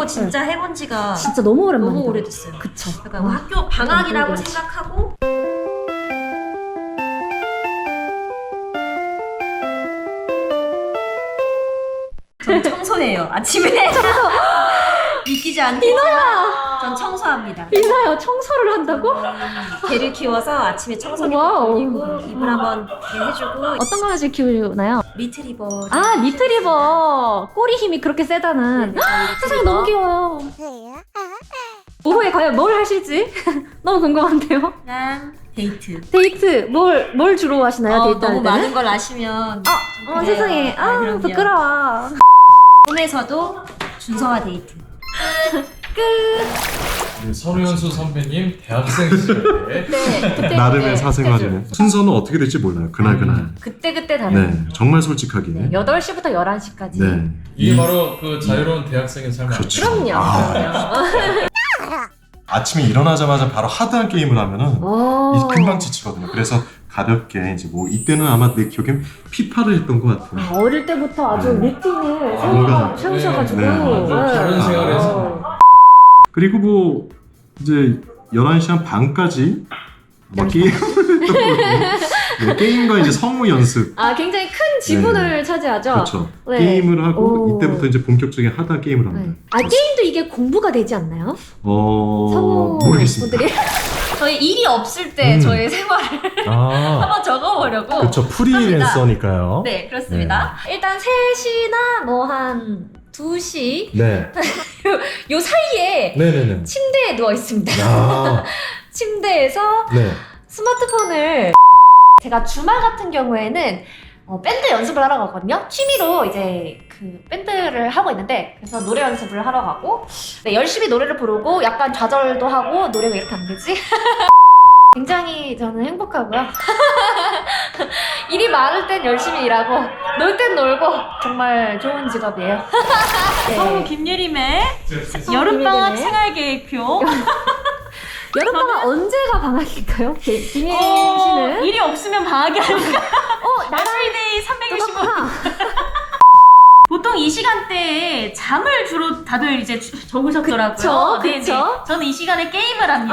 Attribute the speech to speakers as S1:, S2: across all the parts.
S1: 진짜 해본 지가
S2: 진짜 너무 오랜만이다.
S1: 너무 오래됐어요.
S2: 그쵸.
S1: 약간 학교 방학이라고
S2: 그렇지.
S1: 생각하고 전 청소해요. 아침에 믿기지 않겠지만 전 청소합니다.
S2: 이나요, 청소를 한다고?
S1: 개를 키워서 아침에 청소기
S2: 와우.
S1: 돌리고 이불 한번 해주고.
S2: 어떤 강아지를 키우나요?
S1: 리트리버.
S2: 아, 리트리버. 꼬리 힘이 그렇게 세다는. 세상에 너무 귀여워요. 오후에 과연 뭘 하실지 너무 궁금한데요.
S1: 그냥 데이트.
S2: 데이트 뭘 주로 하시나요? 데이트 할
S1: 너무
S2: 때는?
S1: 많은 걸 아시면 좀 그래요.
S2: 세상에. 아,
S1: 그럼요.
S2: 부끄러워.
S1: 꿈에서도 준서와 데이트.
S3: 우리 서루연수 선배님 대학생 시절에
S2: 네, 그때
S4: 나름의
S2: 그때
S4: 사생활이네. 순서는 어떻게 될지 몰라요. 그날.
S2: 그때 다르네.
S4: 네, 정말 솔직하게.
S2: 8시부터 11시까지.
S4: 네.
S3: 이게 바로 그 자유로운 대학생의 삶 아니에요?
S4: 그렇죠.
S2: 그럼요. 그럼요.
S4: 아침에 일어나자마자 바로 하드한 게임을 하면은
S2: 오.
S4: 금방 지치거든요. 그래서 가볍게 이제 뭐 이때는 아마 내 기억엔 피파를 했던 것 같아요.
S2: 아, 어릴 때부터 아주
S4: 네.
S2: 루틴을
S4: 뭔가-
S2: 세우셔가지고
S4: 네,
S3: 아주 다른 생활에서.
S4: 그리고 뭐 이제 11시 한 반까지 아마 게임을 했던 것 같아요. 네, 게임과 이제 성우 연습.
S2: 아, 굉장히 큰 지분을 차지하죠.
S4: 그렇죠.
S2: 네.
S4: 게임을 하고
S2: 오.
S4: 이때부터 이제 본격적인 하드 게임을
S2: 네.
S4: 합니다.
S2: 아, 게임도 이게 공부가 되지 않나요?
S4: 모르겠습니다.
S2: 분들이?
S1: 저희 일이 없을 때 저의 생활을
S5: 아,
S1: 한번 적어보려고.
S5: 그쵸. 프리랜서니까요.
S1: 네, 그렇습니다.
S2: 일단 3시나 뭐 한 2시
S5: 네.
S2: 요 사이에
S5: 네네네.
S2: 침대에 누워 있습니다.
S5: 아,
S2: 침대에서
S5: 네.
S2: 스마트폰을 제가 주말 같은 경우에는 밴드 연습을 하러 가거든요. 취미로 이제 그 밴드를 하고 있는데 그래서 노래 연습을 하러 가고 네, 열심히 노래를 부르고 약간 좌절도 하고 노래가 이렇게 안 되지? 굉장히 저는 행복하고요. 일이 많을 땐 열심히 일하고 놀 땐 놀고 정말 좋은 직업이에요.
S1: 성우
S2: 네.
S1: 김예림의
S2: 여름방학
S1: 생활계획표.
S2: 여름방학 언제가 방학일까요? 김예림 씨는?
S1: 일이 없으면 방학이 아닐까?
S2: 나랑
S1: 데이 365.
S2: 똑같구나.
S1: 보통 이 시간대에 잠을 주로 다들 이제 적으셨더라고요.
S2: 그쵸,
S1: 네네.
S2: 그쵸.
S1: 저는 이 시간에 게임을 합니다.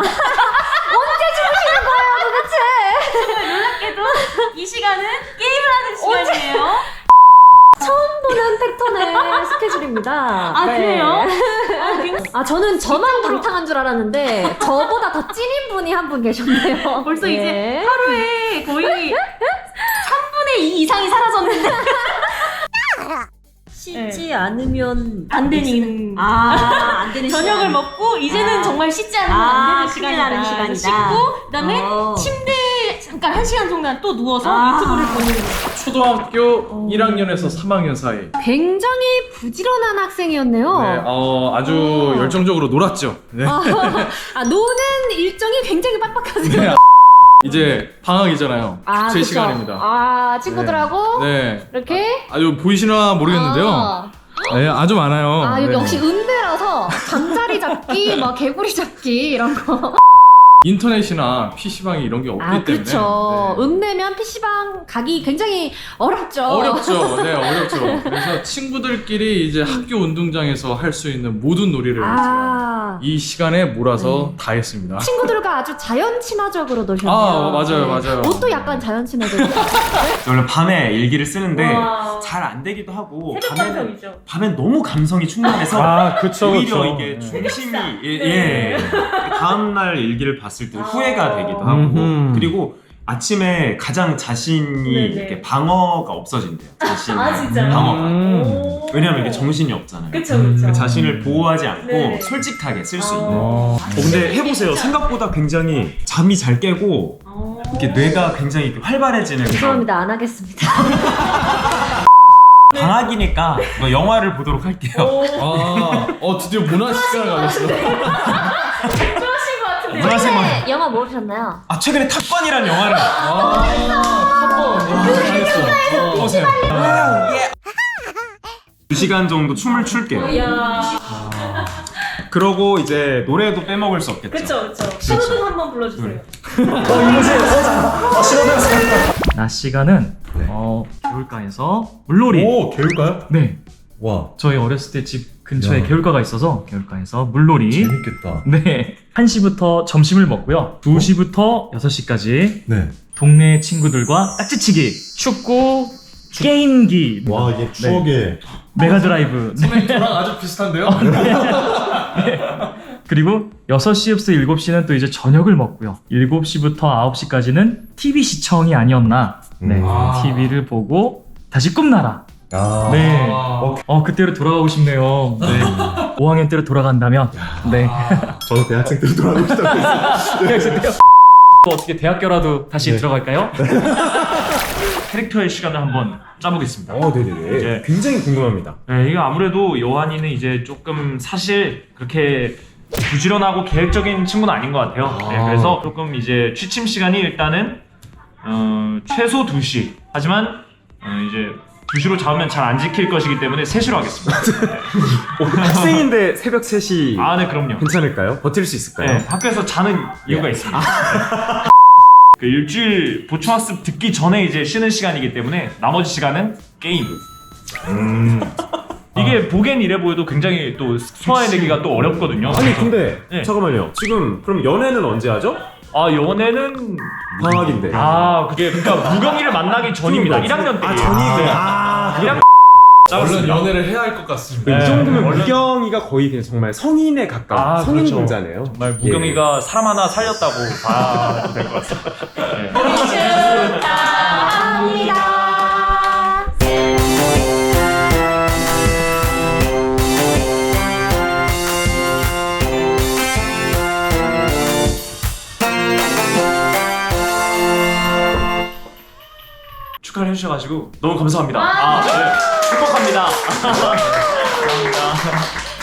S2: 도대체
S1: 놀랍게도 이 시간은 게임을 하는 시간이에요.
S2: 처음 보는 패턴의 스케줄입니다.
S1: 아,
S2: 네.
S1: 그래요?
S2: 아, 저는 저만 방탕한 줄 알았는데 저보다 더 찐인 분이 한 분 계셨네요.
S1: 벌써
S2: 예.
S1: 이제 하루에 거의 3분의 2 이상이 사라졌는데. 씻지 않으면 안 되는 안 되는 저녁을 먹고 이제는 정말 씻지 않으면 안 되는 시간이다. 그래서 씻고 그다음에 침대에 잠깐 1시간 정도 또 누워서 유튜브를 보는 거예요.
S3: 초등학교 1학년에서 3학년 사이.
S2: 굉장히 부지런한 학생이었네요.
S3: 네, 아주 열정적으로 놀았죠. 네.
S2: 노는 일정이 굉장히 빡빡하세요.
S3: 네. 이제 방학이잖아요. 제
S2: 그쵸.
S3: 시간입니다.
S2: 친구들하고
S3: 네.
S2: 이렇게
S3: 아주 보이시나 모르겠는데요. 네, 아주 많아요.
S2: 여기
S3: 네.
S2: 역시 음대라서 잠자리 잡기, 막 개구리 잡기 이런 거.
S3: 인터넷이나 PC방이 이런 게 없기 때문에.
S2: 그렇죠.
S3: 네.
S2: 음내면 PC방 가기 굉장히 어렵죠.
S3: 어렵죠. 네, 어렵죠. 그래서 친구들끼리 이제 학교 운동장에서 할 수 있는 모든 놀이를 제가 이 시간에 몰아서 다 했습니다.
S2: 친구들과 아주 자연 친화적으로 노셨네요.
S3: 맞아요.
S2: 옷도 약간 자연 친화적으로.
S6: 원래 밤에 일기를 쓰는데
S1: 와.
S6: 잘 안 되기도 하고
S1: 새벽 감성이죠.
S6: 밤엔 너무 감성이 충만해서
S5: 아, 그쵸,
S6: 오히려
S5: 그쵸.
S6: 이게 중심이
S1: 네.
S6: 다음날 일기를 봤을 때 후회가 되기도 하고
S5: 음흠.
S6: 그리고 아침에 가장 자신이
S1: 네네.
S6: 이렇게 방어가 없어진대요. 자신
S1: 진짜요?
S6: 방어가. 왜냐면 이게 정신이 없잖아요.
S1: 그쵸.
S6: 그 자신을 보호하지 않고
S1: 네네.
S6: 솔직하게 쓸 수 있는.
S1: 네.
S6: 근데 해보세요. 생각보다 굉장히 잠이 잘 깨고 이렇게 뇌가 굉장히 이렇게 활발해지는 그런
S2: 죄송합니다. 안 하겠습니다.
S6: 방학이니까 뭐 영화를 보도록 할게요.
S3: 드디어 문화 시간을 가졌어.
S1: 좋아하신 것 같은데요?
S6: 문화생활.
S2: 최근에 영화 뭐 보셨나요?
S6: 최근에 탑건이라는 영화를
S3: 잘했어.
S6: 보세요. 2시간 정도 춤을 출게요.
S1: 이야.
S6: 그러고 이제 노래도 빼먹을 수 없겠죠.
S1: 그쵸. 신호등 한번 불러주세요.
S7: 낮 시간은 개울가에서 물놀이.
S5: 오, 개울까요?
S7: 네,
S5: 와.
S7: 저희 어렸을 때 집 근처에
S5: 야.
S7: 개울가가 있어서 개울가에서 물놀이.
S5: 재밌겠다.
S7: 네. 1시부터 점심을 먹고요. 2시부터 6시까지
S5: 네.
S7: 동네 친구들과 딱지치기, 축구, 게임기,
S5: 와 이게 추억의
S7: 메가드라이브. 네.
S3: 선생님 저랑 아주 비슷한데요?
S7: 그리고 6시부터 7시는 또 이제 저녁을 먹고요. 7시부터 9시까지는 TV 시청이 아니었나. 네.
S3: 아.
S7: TV를 보고 다시 꿈나라.
S5: 아.
S7: 네.
S3: 아.
S7: 그때로 돌아가고 싶네요. 네. 5학년 때로 돌아간다면. 네.
S5: 저는 대학생 때로 돌아가고 싶다고 했어요.
S7: 또 어떻게 대학교라도 다시
S5: 네.
S7: 들어갈까요? 캐릭터의 시간을 한번 짜보겠습니다.
S6: 네네네.
S7: 이제-
S6: 굉장히 궁금합니다.
S7: 네, 이거 아무래도 요한이는 이제 조금 사실 그렇게 부지런하고 계획적인 친구는 아닌 것 같아요. 네, 그래서 조금 이제 취침 시간이 일단은 최소 2시. 하지만 이제 2시로 잡으면 잘 안 지킬 것이기 때문에 3시로 하겠습니다.
S6: 학생인데 새벽 3시
S7: 아, 네, 그럼요.
S6: 괜찮을까요? 버틸 수 있을까요?
S7: 네, 학교에서 자는 이유가 있습니다. 그 일주일 보충학습 듣기 전에 이제 쉬는 시간이기 때문에 나머지 시간은 게임. 이게 보기엔 이래 보여도 굉장히 또 소화해내기가 또 어렵거든요.
S6: 아니 근데
S7: 네.
S6: 잠깐만요. 지금 그럼 연애는 언제 하죠?
S7: 아, 연애는
S6: 방학인데.
S7: 그게 그러니까 무경이를 만나기 전입니다. 1학년 때.
S6: 전이구나.
S7: 1학년
S3: 얼른 연애를 해야 할 것 같습니다.
S6: 이 정도면
S7: 원래-
S6: 무경이가 거의 그냥 정말 성인에 가까운 성인
S7: 그렇죠.
S6: 공자네요.
S7: 정말 무경이가 사람 하나 살렸다고 봐도 될 것 같습니다. 네.
S2: 축하합니다.
S7: 축하를 해주셔가지고 너무 감사합니다. 네. 행복합니다. 감사합니다.